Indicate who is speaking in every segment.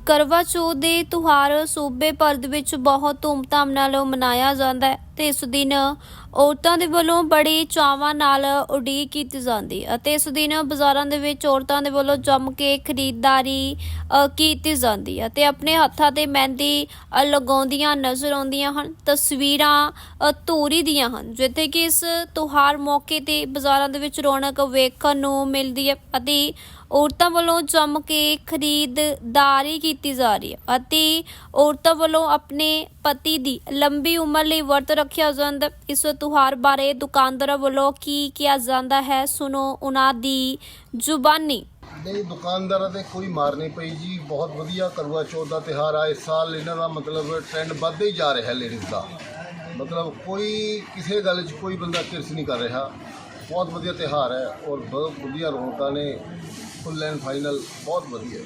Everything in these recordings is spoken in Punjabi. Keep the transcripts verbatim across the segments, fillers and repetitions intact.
Speaker 1: ਕਰਵਾ ਚੌਥ ਦੇ ਤਿਉਹਾਰ ਸੂਬੇ ਭਰ ਦੇ ਵਿੱਚ ਬਹੁਤ ਧੂਮਧਾਮ ਨਾਲ ਮਨਾਇਆ ਜਾਂਦਾ ਹੈ ਤੇ ਇਸ ਦਿਨ ਔਰਤਾਂ ਦੇ ਵੱਲੋਂ ਬੜੇ ਚਾਵਾਂ ਨਾਲ ਉਡੀਕ ਕੀਤੀ ਜਾਂਦੀ ਹੈ ਅਤੇ ਇਸ ਦਿਨ ਬਾਜ਼ਾਰਾਂ ਦੇ ਵਿੱਚ ਔਰਤਾਂ ਦੇ ਵੱਲੋਂ ਜੰਮ ਕੇ ਖਰੀਦਦਾਰੀ ਅ, ਕੀਤੀ ਜਾਂਦੀ ਹੈ ਤੇ ਆਪਣੇ ਹੱਥਾਂ ਤੇ ਮਹਿੰਦੀ ਅ, ਲਗਾਉਂਦੀਆਂ ਨਜ਼ਰ ਆਉਂਦੀਆਂ ਹਨ। ਤਸਵੀਰਾਂ ਅ, ਧੂਰੀ ਦੀਆਂ ਹਨ ਜਿੱਥੇ ਕਿ ਇਸ ਤਿਉਹਾਰ ਮੌਕੇ ਤੇ ਬਾਜ਼ਾਰਾਂ ਦੇ ਵਿੱਚ ਰੌਣਕ ਵੇਖਣ ਨੂੰ ਮਿਲਦੀ ਹੈ ਅਤੇ ਔਰਤਾਂ ਵੱਲੋਂ ਜੰਮ ਕੇ ਖਰੀਦਦਾਰੀ ਕੀਤੀ ਜਾ ਰਹੀ ਹੈ ਅਤੇ ਔਰਤਾਂ ਵੱਲੋਂ ਆਪਣੇ ਪਤੀ ਦੀ ਲੰਬੀ ਉਮਰ ਲਈ ਵਰਤ ਰੱਖਿਆ ਜਾਂਦਾ। ਇਸ ਤਿਉਹਾਰ ਬਾਰੇ ਦੁਕਾਨਦਾਰਾਂ ਵੱਲੋਂ ਕੀ ਕਿਹਾ ਜਾਂਦਾ ਹੈ, ਸੁਣੋ ਉਹਨਾਂ ਦੀ ਜ਼ੁਬਾਨੀ।
Speaker 2: ਨਹੀਂ, ਦੁਕਾਨਦਾਰਾਂ ਤੇ ਕੋਈ ਮਾਰ ਨਹੀਂ ਪਈ ਜੀ। ਬਹੁਤ ਵਧੀਆ ਕਰਵਾ ਚੌਥ ਦਾ ਤਿਉਹਾਰ ਆ। ਇਸ ਸਾਲ ਇਹਨਾਂ ਦਾ ਮਤਲਬ ਟ੍ਰੈਂਡ ਵੱਧਦਾ ਹੀ ਜਾ ਰਿਹਾ ਹੈ ਲੇਡੀਜ਼ ਦਾ। ਮਤਲਬ ਕੋਈ ਕਿਸੇ ਗੱਲ 'ਚ ਕੋਈ ਬੰਦਾ ਕਿਰਸ ਨਹੀਂ ਕਰ ਰਿਹਾ। ਬਹੁਤ ਵਧੀਆ ਤਿਉਹਾਰ ਹੈ ਔਰ ਬਹੁਤ ਵਧੀਆ ਰੌਣਕਾਂ ਨੇ। ਫੁੱਲ ਐਂਡ ਫਾਈਨਲ ਬਹੁਤ ਵਧੀਆ।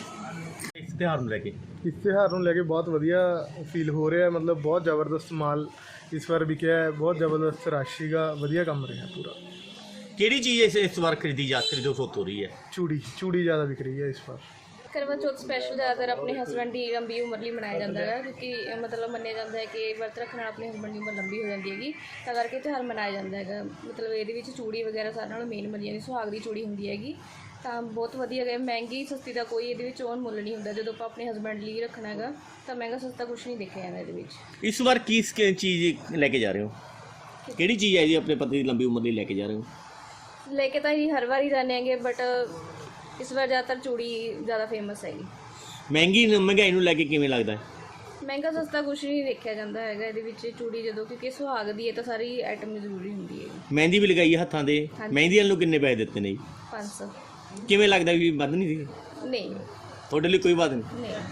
Speaker 3: ਇਸ ਤਿਉਹਾਰ ਨੂੰ ਲੈ ਕੇ
Speaker 4: ਇਸ ਤਿਉਹਾਰ ਨੂੰ ਲੈ ਕੇ ਬਹੁਤ ਵਧੀਆ ਫੀਲ ਹੋ ਰਿਹਾ। ਮਤਲਬ ਬਹੁਤ ਜ਼ਬਰਦਸਤ ਮਾਲ ਇਸ ਵਾਰ ਵਿਕਿਆ ਹੈ। ਬਹੁਤ ਜ਼ਬਰਦਸਤ ਰਸ਼ ਸੀਗਾ। ਵਧੀਆ ਕੰਮ ਰਿਹਾ ਪੂਰਾ।
Speaker 3: ਕਿਹੜੀ ਚੀਜ਼ ਇਸ ਇਸ ਵਾਰ ਖਰੀਦੀ ਜਾ ਖਰੀਦੋ ਸੋਤ ਹੋ ਰਹੀ ਹੈ?
Speaker 4: ਚੂੜੀ ਚੂੜੀ ਜ਼ਿਆਦਾ ਵਿਕ ਰਹੀ ਹੈ ਇਸ ਵਾਰ।
Speaker 5: ਕਰਵਾ ਚੌਥ ਸਪੈਸ਼ਲ ਜ਼ਿਆਦਾਤਰ ਆਪਣੇ ਹਸਬੈਂਡ ਦੀ ਲੰਬੀ ਉਮਰ ਲਈ ਮਨਾਇਆ ਜਾਂਦਾ ਹੈ ਕਿਉਂਕਿ ਮਤਲਬ ਮੰਨਿਆ ਜਾਂਦਾ ਹੈ ਕਿ ਵਰਤ ਰੱਖਣ ਨਾਲ ਆਪਣੇ ਹਸਬੈਂਡ ਦੀ ਉਮਰ ਲੰਬੀ ਹੋ ਜਾਂਦੀ ਹੈਗੀ, ਤਾਂ ਕਰਕੇ ਤਿਉਹਾਰ ਮਨਾਇਆ ਜਾਂਦਾ ਹੈਗਾ। ਮਤਲਬ ਇਹਦੇ ਵਿੱਚ ਚੂੜੀ ਵਗੈਰਾ ਸਾਰਿਆਂ ਨਾਲੋਂ ਮੇਨ ਮੰਨੀ ਜਾਂਦੀ ਸੁਹਾਗ ਦੀ ਚੂੜੀ ਹੁੰਦੀ ਹੈਗੀ, ਤਾਂ ਬਹੁਤ ਵਧੀਆ ਹੈ। ਮਹਿੰਗੀ ਸਸਤੀ ਦਾ ਕੋਈ ਇਹਦੇ ਵਿੱਚ ਓਨ ਮੁੱਲ ਨਹੀਂ ਹੁੰਦਾ। ਜਦੋਂ ਆਪਾਂ ਆਪਣੇ ਹਸਬੈਂਡ ਲਈ ਰੱਖਣਾ ਹੈਗਾ ਤਾਂ ਮਹਿੰਗਾ ਸਸਤਾ ਕੁਛ ਨਹੀਂ ਦੇਖਿਆ ਜਾਂਦਾ ਇਹਦੇ ਵਿੱਚ।
Speaker 3: ਇਸ ਵਾਰ ਕੀ ਸ- ਚੀਜ਼ ਲੈ ਕੇ ਜਾ ਰਹੇ ਹੋ? ਕਿਹੜੀ ਚੀਜ਼ ਹੈ ਜੀ ਆਪਣੇ ਪਤੀ ਦੀ ਲੰਬੀ ਉਮਰ ਲਈ ਲੈ ਕੇ ਜਾ ਰਹੇ ਹੋ?
Speaker 5: ਲੈ ਕੇ ਤਾਂ ਅਸੀਂ ਹਰ ਵਾਰ ਹੀ ਜਾਂਦੇ ਹੈਗੇ, ਬਟ ਇਸ ਵਾਰ ਜ਼ਿਆਦਾਤਰ ਚੂੜੀ ਜ਼ਿਆਦਾ ਫੇਮਸ ਹੈਗੀ।
Speaker 3: ਮਹਿੰਗੀ ਮਹਿੰਗਾਈ ਨੂੰ ਲੈ ਕੇ ਕਿਵੇਂ ਲੱਗਦਾ ਹੈ?
Speaker 5: ਮਹਿੰਗਾ ਸਸਤਾ ਕੁਛ ਨਹੀਂ ਦੇਖਿਆ ਜਾਂਦਾ ਹੈਗਾ ਇਹਦੇ ਵਿੱਚ ਚੂੜੀ, ਜਦੋਂ ਕਿਉਂਕਿ ਸੁਹਾਗ ਦੀ ਹੈ ਤਾਂ ਸਾਰੀ ਆਈਟਮ ਜ਼ਰੂਰੀ ਹੁੰਦੀ ਹੈ।
Speaker 3: ਮਹਿੰਦੀ ਵੀ ਲਗਾਈ ਹੈ ਹੱਥਾਂ ਦੇ।
Speaker 5: ਹਾਂਜੀ।
Speaker 3: ਮਹਿੰਦੀ ਵਾਲ ਨੂੰ ਕਿੰਨੇ ਪੈਸੇ ਦਿੱਤੇ ਨੇ ਜੀ?
Speaker 5: ਪੰਜ ਸੌ।
Speaker 3: ਕਿਵੇਂ ਲੱਗਦਾ ਵੀ ਵੱਧ ਨਹੀਂ ਸੀ
Speaker 5: ਨਹੀਂ
Speaker 3: ਤੁਹਾਡੇ ਲਈ? ਕੋਈ ਬਾਤ ਨਹੀਂ।
Speaker 5: ਨਹੀਂ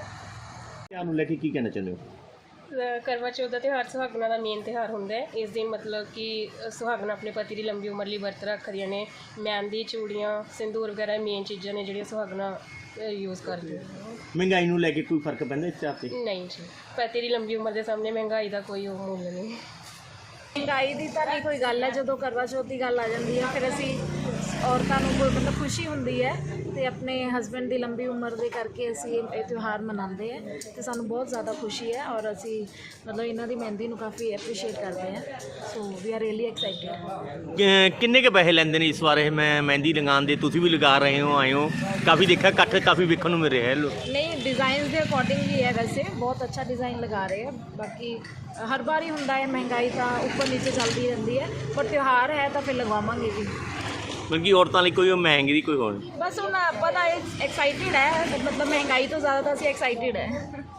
Speaker 3: ਤਿਉਹਾਰ ਨੂੰ ਲੈ ਕੇ ਕੀ ਕਹਿਣਾ ਚਾਹੁੰਦੇ ਹੋ?
Speaker 6: ਅ, ਕਰਵਾ ਚੌਥ ਦਾ ਤਿਉਹਾਰ ਸੁਹਾਗਣਾ ਦਾ ਮੇਨ ਤਿਉਹਾਰ ਹੁੰਦਾ ਹੈ। ਇਸ ਦਿਨ ਮਤਲਬ ਕਿ ਸੁਹਾਗਣਾ ਆਪਣੇ ਪਤੀ ਦੀ ਲੰਬੀ ਉਮਰ ਲਈ ਵਰਤ ਰੱਖਦੀਆਂ ਨੇ। ਮਹਿੰਦੀ, ਚੂੜੀਆਂ, ਸਿੰਦੂਰ ਵਗੈਰਾ ਮੇਨ ਚੀਜ਼ਾਂ ਨੇ ਜਿਹੜੀਆਂ ਸੁਹਾਗਣਾ ਯੂਜ਼ ਕਰਦੀਆਂ।
Speaker 3: ਮਹਿੰਗਾਈ ਨੂੰ ਲੈ ਕੇ ਕੋਈ ਫਰਕ ਪੈਂਦਾ ਇਸ ਤਿਉਹਾਰ 'ਤੇ?
Speaker 6: ਨਹੀਂ ਜੀ, ਪਤੀ ਦੀ ਲੰਬੀ ਉਮਰ ਦੇ ਸਾਹਮਣੇ ਮਹਿੰਗਾਈ ਦਾ ਕੋਈ ਉਹ ਮੁੱਲ ਨਹੀਂ।
Speaker 7: ਮਹਿੰਗਾਈ ਦੀ ਤਾਂ ਨਹੀਂ ਕੋਈ ਗੱਲ ਹੈ। ਜਦੋਂ ਕਰਵਾ ਚੌਥ ਦੀ ਗੱਲ ਆ ਜਾਂਦੀ ਹੈ ਫਿਰ ਅਸੀਂ ਔਰਤਾਂ ਨੂੰ ਕੋਈ ਮਤਲਬ ਖੁਸ਼ੀ ਹੁੰਦੀ ਹੈ ਤੇ ਆਪਣੇ ਹਸਬੈਂਡ ਦੀ ਲੰਬੀ ਉਮਰ ਦੇ ਕਰਕੇ ਅਸੀਂ ਇਹ ਤਿਉਹਾਰ ਮਨਾਉਂਦੇ ਹਾਂ ਤੇ ਸਾਨੂੰ ਬਹੁਤ ਜ਼ਿਆਦਾ ਖੁਸ਼ੀ ਹੈ ਔਰ ਅਸੀਂ ਮਤਲਬ ਇਹਨਾਂ ਦੀ ਮਹਿੰਦੀ ਨੂੰ ਕਾਫੀ ਐਪਰੀਸ਼ੀਏਟ ਕਰਦੇ ਹਾਂ। So we are really excited.
Speaker 3: ਕਿ- ਕਿੰਨੇ ਕੇ ਪੈਸੇ ਲੈਂਦੇ ਨੇ ਇਸ ਵਾਰ ਇਹ ਮੈਂ ਮਹਿੰਦੀ ਲਗਾਉਣ ਦੇ? ਤੁਸੀਂ ਵੀ ਲਗਾ ਰਹੇ ਹੋ, ਆਏ ਹੋ, ਕਾਫੀ ਦੇਖਿਆ ਇਕੱਠ ਕਾਫੀ ਵੇਖਣ ਨੂੰ ਮਿਲ ਰਿਹਾ ਹੈ। ਲੋਕ
Speaker 7: ਨਹੀਂ, ਡਿਜ਼ਾਈਨਸ ਦੇ ਅਕੋਰਡਿੰਗ ਹੀ ਹੈ। ਵੈਸੇ ਬਹੁਤ ਅੱਛਾ ਡਿਜ਼ਾਈਨ ਲਗਾ ਰਹੇ ਆ। ਬਾਕੀ ਹਰ ਵਾਰ ਹੀ ਹੁੰਦਾ ਹੈ, ਮਹਿੰਗਾਈ ਤਾਂ ਉੱਪਰ ਨੀਚੇ ਚੱਲਦੀ ਰਹਿੰਦੀ ਹੈ, ਪਰ ਤਿਉਹਾਰ ਹੈ ਤਾਂ ਫਿਰ ਲਗਵਾਵਾਂਗੇ ਜੀ।
Speaker 3: ਬਲਕਿ ਔਰਤਾਂ ਲਈ ਕੋਈ ਉਹ ਮਹਿੰਗੀ ਦੀ ਕੋਈ ਹੋਰ ਨਹੀਂ।
Speaker 7: ਬਸ ਹੁਣ ਆਪਾਂ ਤਾਂ ਐਕਸਾਈਟਿਡ ਹੈ, ਮਤਲਬ ਮਹਿੰਗਾਈ ਤੋਂ ਜ਼ਿਆਦਾ ਤਾਂ ਅਸੀਂ ਐਕਸਾਈਟਿਡ ਹੈ।